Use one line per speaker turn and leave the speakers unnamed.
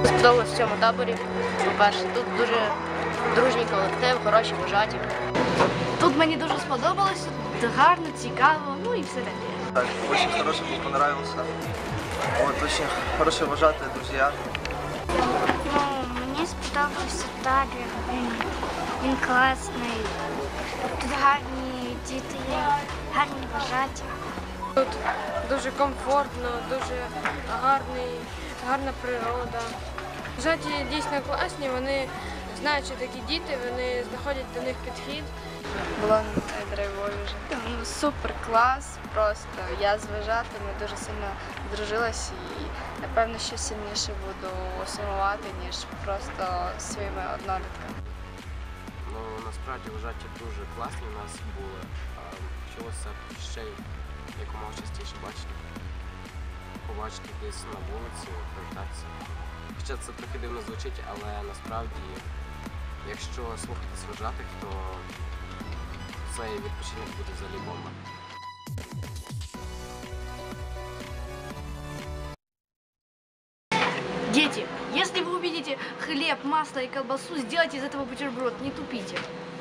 Сподобалось в цьому таборі. По-перше, тут дуже дружній колектив, хороші вожаті.
Тут мені дуже сподобалось, гарно, цікаво, ну і все таке.
Так, очень хороший был, понравился. Вот, очень хорошие вожатые друзья.
Ну, мені сподобався табір, він класний. Тут гарні діти є, гарні вважаті.
Тут дуже комфортно, дуже гарна природа. Вважаті дійсно класні, вони знають, що такі діти, вони знаходять до них підхід.
Було найдрайвовіше. Супер клас, просто я з вважатими дуже сильно здружилась і напевно ще сильніше буду сумувати, ніж просто своїми однолітками.
Ну, насправді вважаті дуже класні у нас були. Хотілося ще й якомога частіше побачити десь на вулиці, привітатися. Хоча це трохи дивно звучить, але насправді, якщо слухатись вважатих, то цей відпочинок буде взагалі бомба.
Дети, если вы увидите хлеб, масло и колбасу, сделайте из этого бутерброд, не тупите.